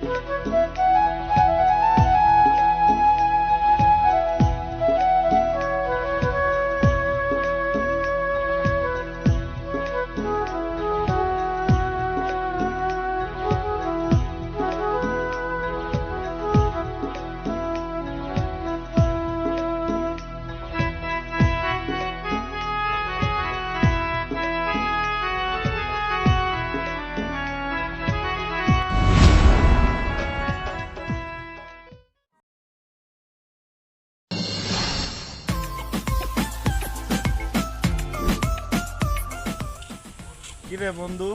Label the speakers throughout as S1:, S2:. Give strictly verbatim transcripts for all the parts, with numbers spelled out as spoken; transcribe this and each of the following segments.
S1: কিরে বন্ধু,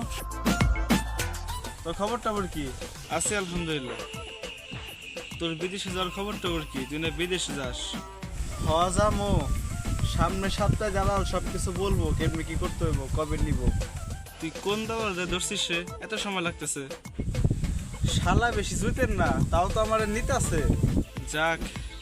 S1: তোর খবর টবর কি?
S2: আছি আলহামদুলিল্লাহ। তোর বিদেশে যাওয়ার খবর টবর কি? তুই না বিদেশে যাস?
S1: হওয়া যামো সামনে সপ্তাহে জানাল সবকিছু বলবো, কেমনি কি করতে হইব, কবে নিব।
S2: তুই কোন দাবার যে ধরছিস রে? এত সময় লাগতেছে।
S1: শালা বেশি জুইতেন না, তাও তো আমার নিতে আছে।
S2: যাক,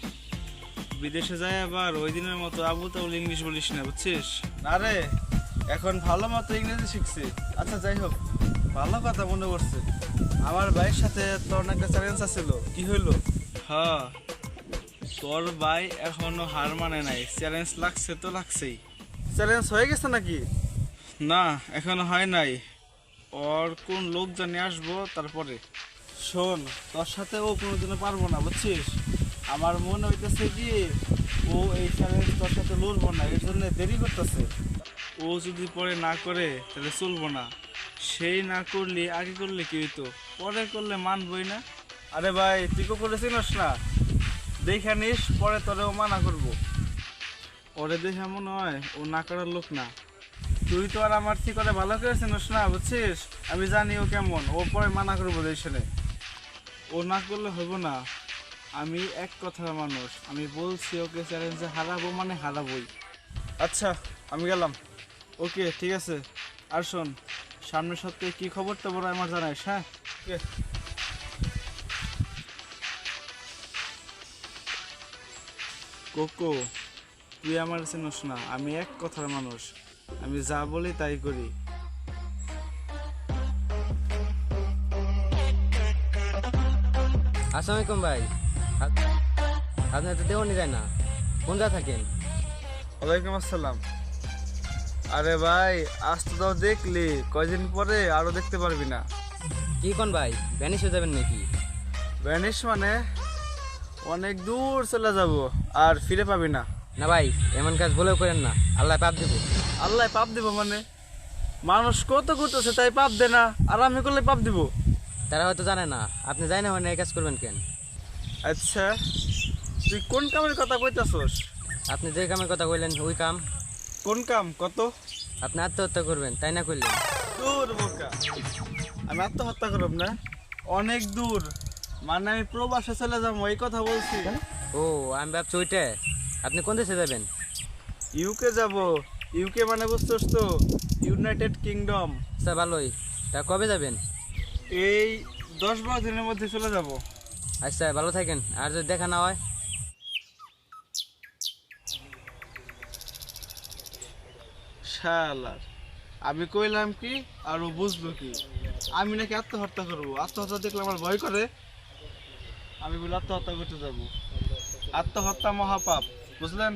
S2: বিদেশে যায় আবার ওই দিনের মতো আবু তাবুল ইংলিশ বলিস না, বুঝছিস?
S1: আরে এখন ভালো মতো ইংরেজি শিখছি। আচ্ছা যাই হোক, ভালো কথা মনে পড়ছে, আমার ভাইয়ের সাথে তোর একটা চ্যালেঞ্জ আছিল, কি হইলো?
S2: হ্যাঁ, তোর ভাই এখনো হার মানে নাই। চ্যালেঞ্জ লাগছে তো লাগছেই।
S1: চ্যালেঞ্জ হয়ে গেছে নাকি?
S2: না, এখনো হয় নাই। ওর কোন লোক জানি আসবো তারপরে।
S1: শোন, তোর সাথে ও কোনোদিনও পারবো না, বুঝছিস? আমার মনে হইতেছে কি ও এই চ্যালেঞ্জ তোর সাথে লড়বো না, এর জন্য দেরি করতেছে।
S2: ও যদি পরে না করে তাহলে চলবো না। সেই না করলে আগে করলে কি হইতো, পরে করলে মানবই না।
S1: আরে ভাই, তুই কো করেছিস না, দেখে নিস, পরে তোরে ও মানা করবো।
S2: ওরে দেখে মনে হয় ও না করার লোক না।
S1: তুই তো আর আমার ঠিক করে ভালো করেছিস না, বুঝছিস? আমি জানি ও কেমন, ও পরে মানা করবো দেশনে।
S2: ও না করলে হইব না। আমি এক কথার মানুষ, আমি বলছি ওকে চ্যালেঞ্জে হারাবো মানে হারাবোই।
S1: আচ্ছা আমি গেলাম।
S2: ওকে ঠিক আছে। আর শোন, সামনের সপ্তাহে কি খবর টবর আমার জানাইস, হ্যাঁ?
S1: ওকে।
S2: কোকো, তুই আমার চিনিস না, আমি এক কথার মানুষ, আমি যা বলি তাই করি।
S3: আসসালামু আলাইকুম ভাই। আপ- আপনার তো দেওয়ানি যায় না, কোন যা থাকেন?
S1: ওয়ালাইকুম আসসালাম। আরে ভাই, আজ তো তাও দেখলি, কয়দিন পরে আরো দেখতে পারবি না।
S3: কি কোন ভাই, ভ্যানিশ হয়ে যাবেন নাকি?
S1: ভ্যানিশ মানে অনেক দূর চলে যাব, আর ফিরে পাবি না।
S3: না ভাই, এমন কাজ বলেও করেন না, আল্লাহ পাপ দেবো।
S1: আল্লাহ পাপ দিব মানে? মানুষ কত করতেছে তাই পাপ দে না, আর আমি করলে পাপ দিব?
S3: তারা হয়তো জানে না, আপনি জানেন না হয় না, এই কাজ করবেন কেন?
S1: আচ্ছা, তুই কোন কামের কথা কইতাছস?
S3: আপনি যে কামের কথা কইলেন ওই কাম।
S1: কোন কাম কত?
S3: আপনি আত্মহত্যা করবেন তাই না করলেন?
S1: দূর বোকা, আমি আত্মহত্যা করব না। অনেক দূর মানে আমি প্রবাসে চলে যাবো, এই কথা বলছি।
S3: ও, আমি ভাবছি ওইটা। আপনি কোন দেশে যাবেন?
S1: ইউকে যাব। ইউকে মানে বুঝছস তো, ইউনাইটেড কিংডম।
S3: আচ্ছা ভালোই, তা কবে যাবেন?
S1: এই দশ বারো দিনের মধ্যে চলে যাব।
S3: আচ্ছা ভালো থাকেন, আর যদি দেখা না হয়?
S1: শালার, আমি কইলাম কি আর ও বুঝলো কি? আমি নাকি আত্মহত্যা করবো? আত্মহত্যা দেখলে আমার ভয় করে। আমি বলে আত্মহত্যা করতে যাব? আত্মহত্যা মহাপাপ, বুঝলেন?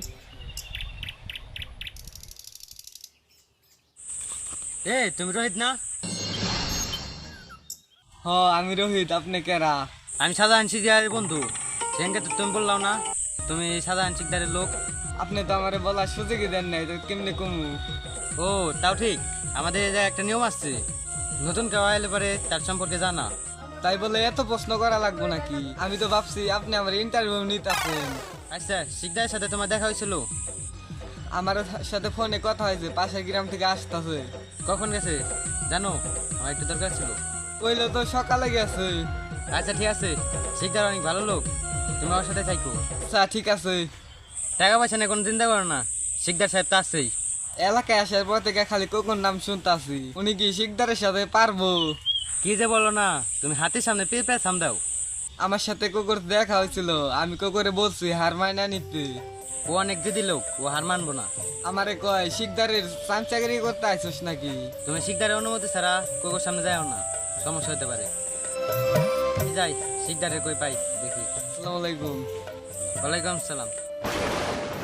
S3: এ তুমি রোহিত না?
S4: হ, আমি রোহিত। আপনি কেরা?
S3: আমি সাধারণ শিকদারের বন্ধু। সেখানকে তো তুমি বললাম না তুমি সাধারণ শিকদারের লোক।
S4: আপনি তো আমারে বলার সুযোগই দেন নাই, তো কেমনে কমু?
S3: ও তাও ঠিক, আমাদের এই জায়গায় একটা নিয়ম আসছে, নতুন কেউ এলে পরে তার সম্পর্কে জানা।
S4: তাই বলে এত প্রশ্ন করা লাগবো নাকি? আমি তো ভাবছি আপনি আমার ইন্টারভিউ নিতেছেন।
S3: আচ্ছা, শিকদারের সাথে তোমার দেখা হয়েছিল?
S4: আমার সাথে ফোনে কথা হয়েছে, পাশের গ্রাম থেকে আসতেছে।
S3: কখন গেছে জানো? আমার একটু দরকার ছিল।
S4: কইলো তো সকালে গেছে।
S3: আচ্ছা ঠিক আছে, শিকদার অনেক ভালো লোক, তুমি আমার সাথে থাকো।
S4: আচ্ছা ঠিক আছে।
S3: টাকা পয়সা নিয়ে কোনো চিন্তা করো না, শিকদার সাহেব তো আছেই।
S4: এলাকায় আসার পর থেকে খালি কোকোর নাম শুনতাছি। উনি কি শিকদারের সাথে পারবো?
S3: কি যে বলো না, তুমি হাতের সামনে পেয়ে পেয়ে সাম দাও।
S4: আমার সাথে কোকোর দেখা হয়েছিল, আমি কোকোরে বলছি হার মাইনা নিতে।
S3: ও অনেক দিদি লোক, ও হার মানবো না।
S4: আমারে কয় শিকদারের চামচাগিরি করতে আইসস নাকি?
S3: তুমি শিকদারের অনুমতি ছাড়া কোকোর সামনে যাও না, সমস্যা হতে পারে। যাই শিকদারে কই পাই দেখি।
S4: আসসালামু আলাইকুম।
S3: ওয়ালাইকুম সালাম।